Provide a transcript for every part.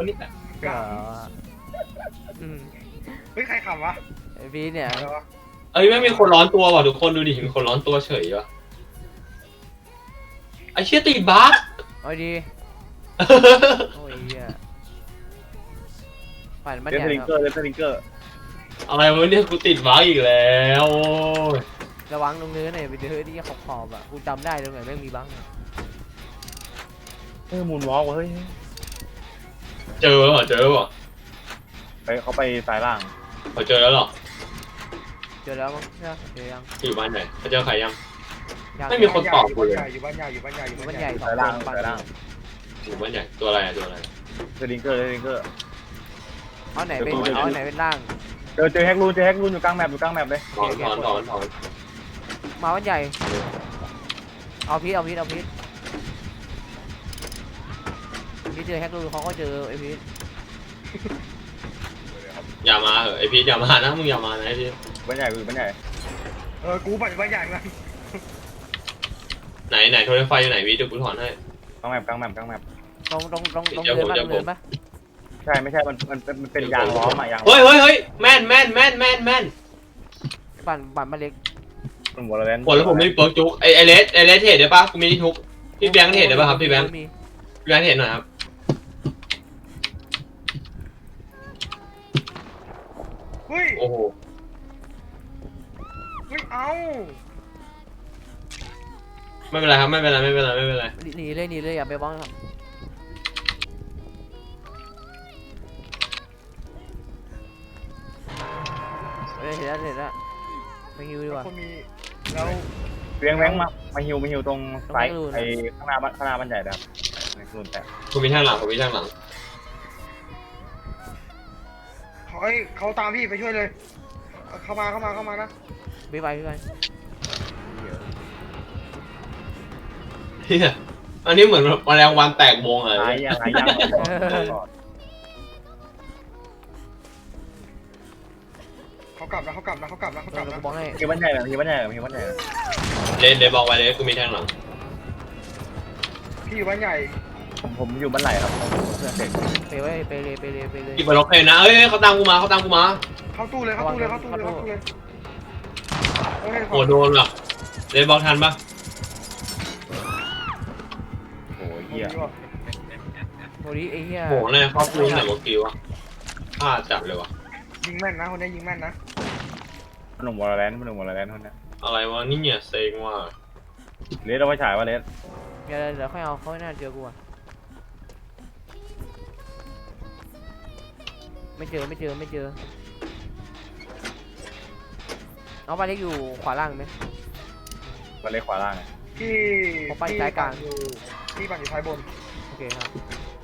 ตัวนี้แหละเฮ้ยใครขำวะไอพีเนี่ยอะไรวะเอ้ยไม่มีคนร้อนตัวว่ะทุกคนดูดิมีคนร้อนตัวเฉยวะไอ้เชี่ยติดบั๊กเอาดีโอ้ยเหี้ยปั่นบ้านเลใหสญ่ลิงเกอร์เลสลิงเกอร์อะไรวะเนี่ยกูติดบั๊กอีกแล้วโอ้ยระวังตรงเนื้อหน่อยไปเจอที่ขอบอ่ะกูจำได้ตรงไหนแม่งมีบ้างมูนวอล์กเฮ้ยเจอแล้วเหรอเจอแล้วเหรอไปเขาไปซ้ายล่างเขาเจอแล้วเหรอเจอแล้วมั้งใช่ไหมเจอยังอยู่บ้านไหนเขาเจอใครยังยังไม่มีคนตอบกูเลยอยู่บ้านใหญ่อยู่บ้านใหญ่อยู่บ้านบ้านใหใหญ่ญ่สองซ้ายคล่างนปั่นซ้ายล่างอยู่บ้านใหญ่ตัวอะไรอะตัวอะไรเลสลิงเกอร์เลสลิงเกอร์เอาไหนเป็นเอาไหนเป็นล่างเจอแฮกรูนอยู่กลางแมปอยู่กลางแมปเลยถอนถอนถอนถอนมาบ้านใหญ่เอาพีทพีเจอแฮกรูเขาก็เจอไอพีทอย่ามาเหอะไอพีทอย่ามานะมึงอย่ามานะไอพีทบ้านใหญ่อยู่บ้านใหญ่กูปั่นบ้านใหญ่เลยไหนโทรไฟอยู่ไหนพีทเดี๋ยวกูถอนให้กลางแมปตรงเดินปะใช่ไม่ใช่มันเป็นยางล้อมอะยางเฮ้ยแม่นปั่นมาเล็กมันหัวเราเล่นหมดแล้วผมไม่มีเปิร์กจุกไอเลสเทรดได้ปะกูมีที่ทุกพี่แบงค์เทรดได้ปะครับพี่แบงค์เทรดหน่อยครับเฮ้ยโอ้โหเฮ้ยเอาไม่เป็นไรครับไม่เป็นไรหนีเลยอย่าไปบ้องครับเห็นแล้วไปฮิวดีกว่าคนมีแล้วเวียงแบงมาฮิวตรงซ้ายไอ้ข้างหน้าบ้านใหญ่นะครับในกลุ่มแต่กูมีทางหลังเขาตามพี่ไปช่วยเลยเข้ามานะไปเฮียอันนี้เหมือนแมลงวันแตกวงอะไรซ้ายยางเขากลับนะบ้องให้ฮิวบ้านใหญ่ฮิวบ้านใหญ่เลนบอกไว้เลยกูมีทางหลังพี่อยู่บ้านใหญ่ผมอยู่บ้านไหลครับเพื่อนเด็กไปเลยกินบอลล็อกเลยนะเอ้ยเขาตามกูมาเข้าตู้เลยโอ้โดนว่ะเลนบอกทันปะโอ้ยเหี้ยโมดิไอ้เหี้ยโหเนี่ยเขาพูดแต่เมื่อกี้วะพลาดจับเลยวะยิงแม่นนะคนนี้ยิงแม่นนะหนุ่มวอลเลนคนนี้อะไรวะนี่เนี่ยเซ็งว่ะเลสเราไปฉายว่าเลสเดี๋ยวค่อยเอาเขาไม่น่าเจอกูอ่ะไม่เจอเอาไปเล็กอยู่ขวาล่างไหมบ้านเล็กขวาล่างพี่ปั่นอยู่ท้ายบนโอเคครับ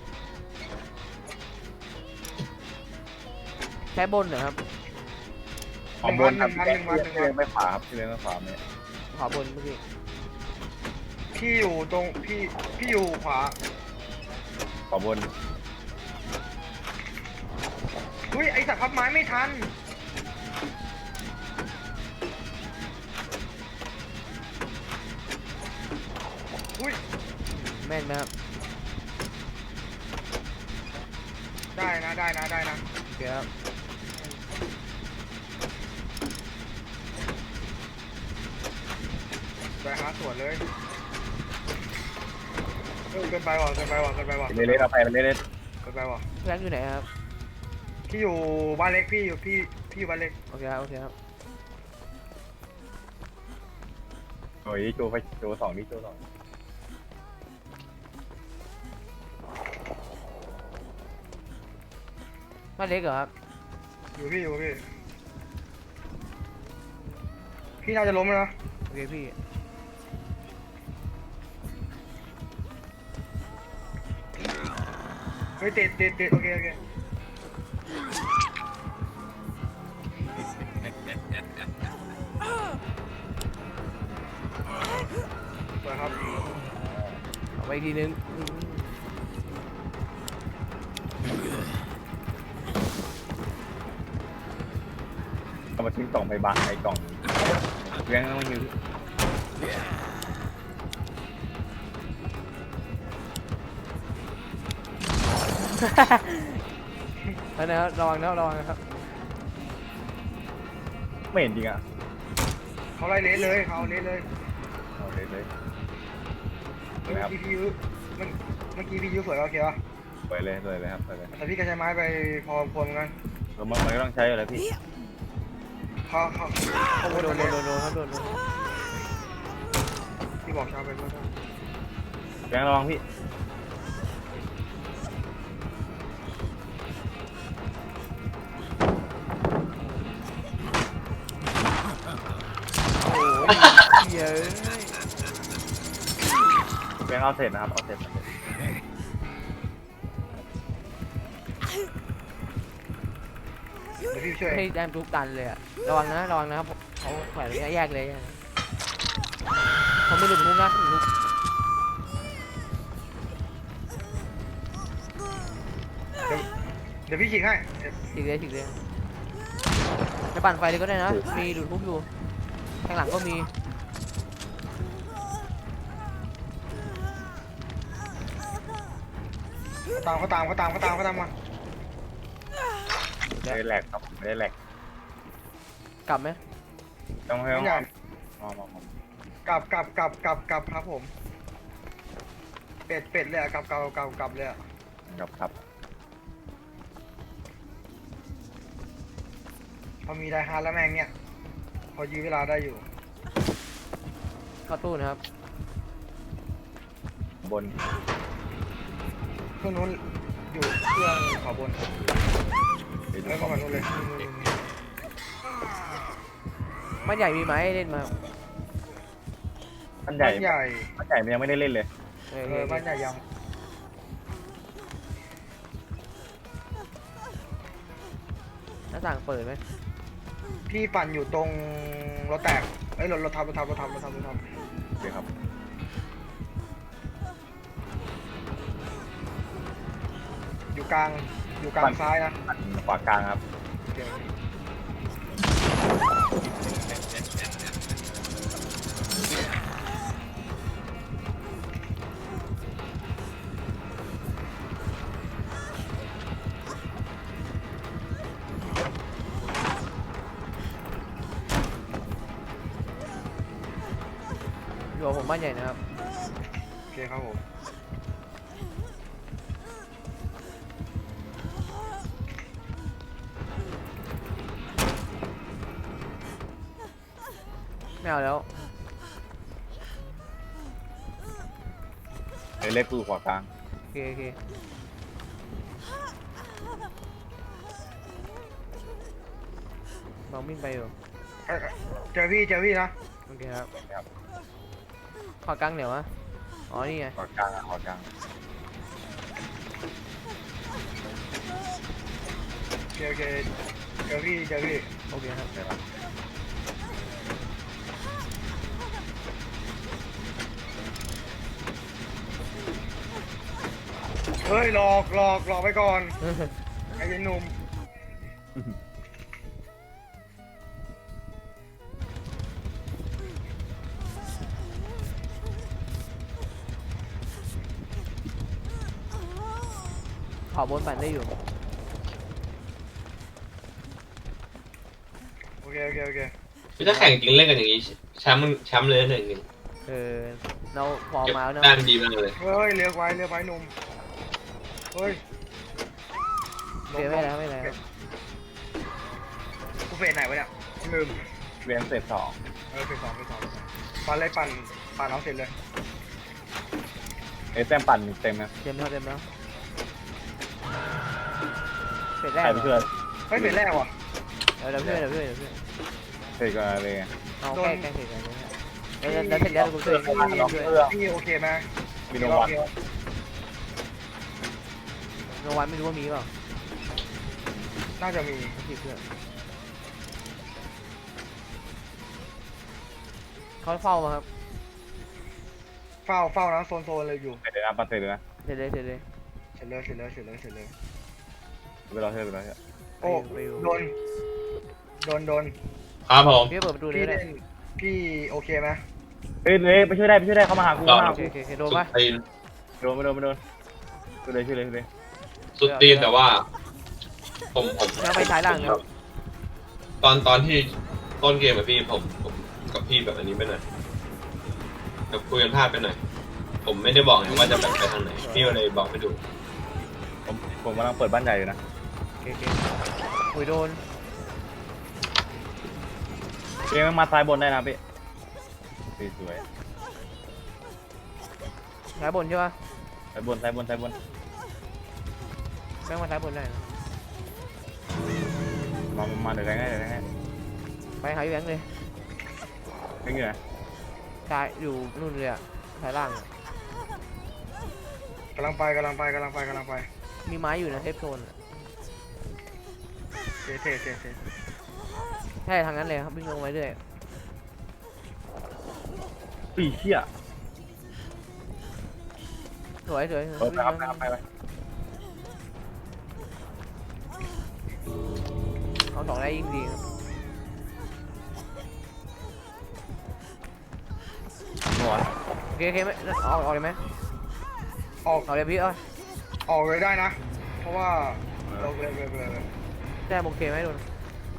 ใช้บนเหรอครับบนครับเลี้ยงไม่ขวาครับเลี้ยงไม่ขวาเนี่ยขวาบนเมื่อกี้พี่อยู่ตรงพี่อยู่ขวาขวาบนเฮ้ยไอสัตว์พับไม้ไม่ทันอุ้ยแม่นไหมครับได้นะโอเคครับไปหาสวนเลยเกินไปว่ะเลสเอาไปเลสเกินไปว่ะเพื่อนอยู่ไหนครับพี่อยู่บ้านเล็กพี่อยู่บ้านเล็กโอเคครับโอ้ยโจสองนี่โจสองบ้านเล็กเหรอครับอยู่พี่น่าจะล้มแล้วนะโอเคพี่เฮ้ยติดโอเคสวยครับเอาไปอีกทีนึงเอามาทิ้งกล่องไปบังไอ้กล่องเลี้ยงต้องยื้อสไปนะครับระวังนะครับไม่เห็นจริงอ่ะเขาไล่เลสเลยเขาเลสเลยเอาเลยเลยครับพี่ยุมันเมื่อกี้พี่ยุสวยโอเคป่ะไปเลยครับไปเลยแต่พี่ก็ใช้ไม้ไปพอควรเหมือนกันแล้วมันก็ต้องใช้อะไรพี่เขาโดนครับโดนพี่บอกชาวไปเมื่อกี้แบงค์ระวังพี่โอ้ยเหี้ยแบงค์เอาเสร็จนะครับเอาเสร็จเดี๋ยวพี่ช่วยให้แดมทุกตันเลยอะระวังนะครับเขาแขวนระยะแยกเลยอะเขาไม่หลุดมุกนะหลุดเดี๋ยวพี่ฉีกให้ฉีกเลยจะปั่นไฟเลยก็ได้นะมีหลุดมุกอยู่ข้างหลังก็มีเขาตามมาไม่ได้แหลกครับไม่ได้แหลกกลับไหมต้องให้ไม่ใหญ่มองกลับครับผมเป็ดเลยอะกลับเลยอะครับพอมีไดฮาร์ดแล้วแม่งเนี่ยพอยื้อเวลาได้อยู่เข้าตู้นะครับบนเครื่องนู้นอยู่เครื่องขวาบนไปดูแล้วก็มานู้นเลยมันใหญ่มีไหมเล่นมาบ้านใหญ่บ้านใหญ่มันยังไม่ได้เล่นเลยบ้านใหญ่ยังหน้าต่างเปิดไหมพี่ปั่นอยู่ตรงรถแตกเอ้ยรถทับโอเคครับอยู่กลางซ้ายนะขวากลางครับโอเคอยู่กับผมบ้านใหญ่นะครับโอเคครับผมไม่เอาแล้วเล็กกูขวากลางโอเคลองวิ่งไปอยู่เจอพี่นะโอเคครับครับขอกลางเหนียวอะอ๋อนี่ไงขวากลางขวากลางโอเคเจอพี่โอเคครับใช่ครับเฮ้ยหลอกไปก่อนไอ้ยันหนุ่มขอบนปั่นได้อยู่โอเคคือถ้าแข่งจริงเล่นกันอย่างนี้แชมป์เลย1-1 เราพอเก็บมาแล้วแต้นะมดีมากเลยเฮ้ยเลี้ยวไว้หนุ่มเฮ้ยเสียไม่แล้วครับกูเฟสไหนวะเนี่ยลืมเรียนเสร็จ2 เฟสสองปั่นเลยปั่นเอาเสร็จเลยแต้มปั่นเต็มนะเต็มแล้วเสร็จแรใคกรไปช่วยเฮ้ยเฟสแรกว่ะเดี๋ยวเพื่อนเสร็จก็เลยเอาแก้เสร็จกันแล้วเสร็จแล้วกูช่วยด้วยพี่โอเคไหมมีโนวันโนวันไม่รู้ว่ามีเปล่าน่าจะมีผิดเพื่อนเขาเฝ้ามาครับเฝ้านะโซนเลยอยู่เสร็จเลยนะปั่นเสร็จเลยนะเสร็จเลยเสร็จเลยไปรอเถอะโอ้โดนครับผมพี่เปิดประตูเลพี่ยได้เล่นพี่โอเคไหมเฮ้ยไปช่วยได้เข้ามาหากูโอเคโดนปะตีนโดนช่วยเลยสุดตีนแต่ว่า ผมแล้วไปซ้ายล่างครับตอนที่ต้นเกมอะพี่ผมกับพี่แบบอันนี้ไปหน่อยแบบคุยกันพลาดไปหน่อยผมไม่ได้บอกไงว่าจะแบบไปทางไหนพี่ก็เลยบอกไม่ถูกผมกำลังเปิดบ้านใหญ่อยู่นะโอเคคุยโดนเกมมันมาซ้ายบนได้นะพี่สวยซ้ายบนใช่ปะซ้ายบนซ้ายบนซ้ายบนแม่งมาซ้ายบนได้นะมาเดี๋ยวได้ไงเดี๋ยวได้ไงไปหาพี่แบงค์เลยไม่เหนื่อยซ้ายอยู่นู่นเลยอะซ้ายล่างอะกำลังไปกำลังไปกำลังไปกำลังไปมีไม้อยู่นะเทปโซนอะเทเทเทเทใช่ทางนั้นเลยครับวิ่งลงไปเรื่อยปีเชี่ยสวยสวยเออไปครับไปเอาสองได้ยิ่งดีครับหัวโอเคโอเคไหมออกเลยไหมออกออกเลยพี่เอ้ยออกเลยได้นะ เพราะว่าเราเลยแต้มโอเคไหมโดน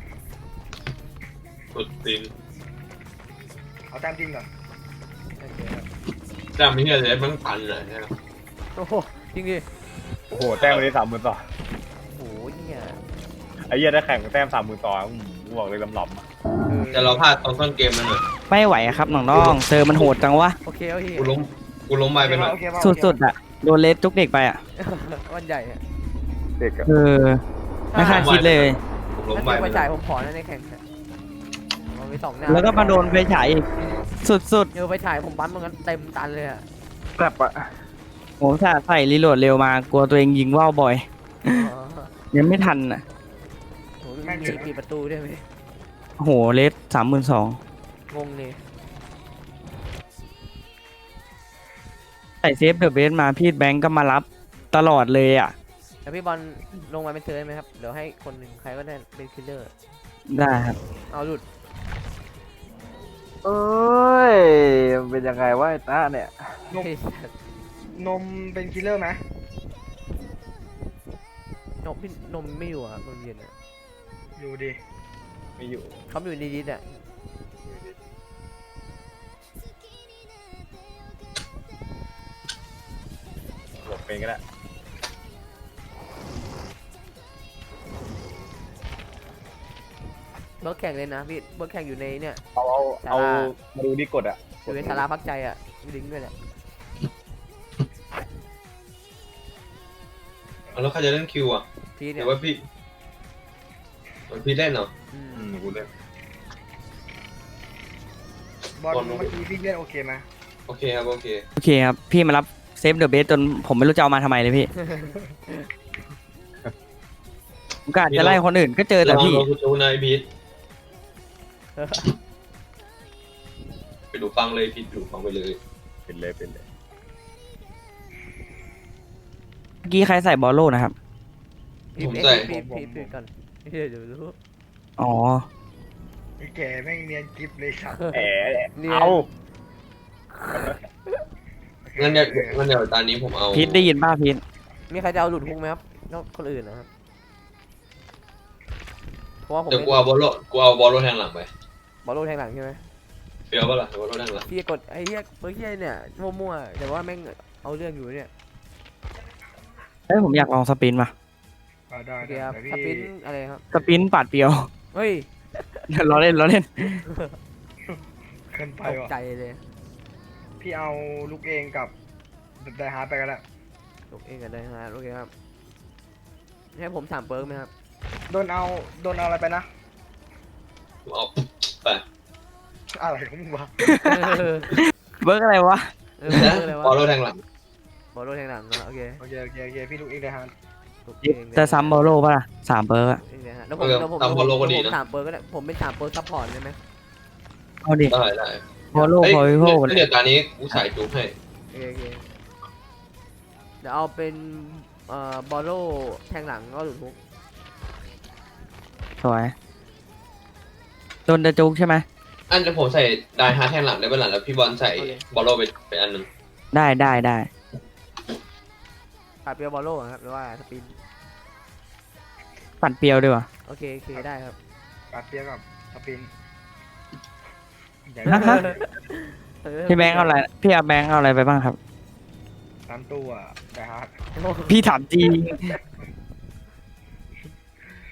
สุดตีนเอาแต้มจริงก่อนโอเคครับแต่ไม่ใช่เลยมันพันเลยนะครับโอ้โหจริงดิโอ้โหแต้มวันนี้30,000ต่อโอ้โหเนี่ยไอ้เหี้ยได้แข่งแต้ม30,000ต่อกูบอกเลยลำๆอ่ะแต่เราพลาดตอนต้นเกมมันหน่อยไม่ไหวอะครับน้องๆเซอร์มันโหดจังวะโอเคโอเคกูล้มไปหน่อยโอเคป่ะสุดๆอะโดนเลสจุกเด็กไปอะวันใหญ่อะเด็กอะเออไม่คาดคิดเลยผมล้มถ้าไปเกิดไปจ่ายผมขอนะในแข่งเนี่ยมันมีสองหน้าแล้วก็มาโดนไฟฉายอีกสุดเจอไปถ่ายผมปั๊มมันกันเต็มตันเลยอะแบบอะๆผมถ้าใส่รีโหลดเร็วมากลัวตัวเองยิงว่าวบ่อย ยังไม่ทันอะโอ้โหมีปิดประตูด้วยไหมโหเลส32,000 งงเลยใส่เซฟเดอะเบสมาพี่แบงก์ก็มารับตลอดเลยอะแต่พี่บอลลงมาเป็นเธอไหมครับเดี๋ยวให้คนหนึ่งใครก็ได้เป็นคิลเลอร์ได้ครับเอาหลุดเอ้ยมันเป็นยังไงวะไอ้ตาเนี่ยนมเป็นคิลเลอร์ไหมนมพี่นมไม่อยู่อะครับนมเย็นอะอยู่ดิไม่อยู่เขาอยู่ในดิสอะหลบเป็นก็ได้เบิร์กแข่งเลยนะพี่เบิร์กแข่งอยู่ในเนี่ยเอามาดูที่กดอะอยู่ในสาราพักใจอะมีลิงก์ด้วยแหละแล้วใครจะเล่นคิวอ่ะพี่หเนี่รืยอว่าพี่เล่นเหรออืมกูเล่นบอลเมื่อกี้พี่เล่นโอเคไหมโอเคครับโอเคโอเคครับพี่มารับเซฟเดอะเบสจนผมไม่รู้จะเอามาทำไมเลยพี่ผมกะจะไล่คนอื่นก็เจอแต่พี่ลองดูจูนายพีทไปดูฟังเลยพีทดูฟังไปเลยเป็นเลยเมื่อกี้ใครใส่บอลโล่นะครับพี่ผมใส่พี่ก่อนเดี๋ยวรู้อ๋อไอ้แก่แม่งเนียนกิฟเลยครับแหมเนี่ยเอางั้นเดี๋ยวตอนนี้ผมเอาพีทได้ยินป่ะพีทมีใครจะเอาหลุดพุกไหมครับนอกคนอื่นนะครับเพราะว่าผมเดี๋ยวกูเอาบอลโลแทงหลังไปบอลโลแทงหลังใช่ไหมเฟี้ยวปะล่ะบอลโลแทงหลังพี่กดไอ้เหี้ยเบอร์เหี้ยเนี่ยมั่วๆแต่ว่าแม่งเอาเรื่องอยู่เนี่ยเฮ้ยผมอยากลองสปินมาได้โอเคได้ครับเดี๋ยวสปิพี่นอะไรครับสปินปัดเปียวเฮ้ยล้อเล่นเกินไปตกว่ะใจเลยพี่เอาลูกเองกับไดฮาร์ดไปกันแล้วตกเองกันเลยฮะโอเคครับให้ผมถามเบิร์กไหมครับโดนเอาอะไรไปนะผมเอาไปอะไรของมึงวะเบิร์กอะไรวะเออเบิร์กอะไรวะบอลโลแทงหลังบอลโลแทงหลังนะโอเคโอเคพี่ลูกเองไดฮาร์ดตกเองจะซ้ำบอลโล่ป่ะล่ะ3เบิร์กอะเองนะฮะแล้วผมถามเบิร์กก็ได้ผมเป็นถามเบิร์กซัพพอร์ตได้ไหมเอาดิได้บอลโล่พอวิโวเดี๋ยวตอนนี้กูใส่จูบให้โอเคเดี๋ยวเอาเป็นบอลโลแทงหลังก็หลุดฮุกสวยโดนจะจุกใช่ไหมอันจะผมใส่ไดฮาร์ดแทงหลังได้เป็นหลังแล้วพี่บอลใส่บอลโลไปอันหนึ่งได้ขาดเปียบอลโลครับหรือว่าสปินปั่นเปรียวดีกว่าโอเคโอเคได้ครับปัดเปียกกับสปินใหญ่พี่แบงค์เอาอะไรพี่เอาแบงค์เอาอะไรไปบ้างครับตามตัวแต่ฮาร์ดโอ้โหพี่ถามจริง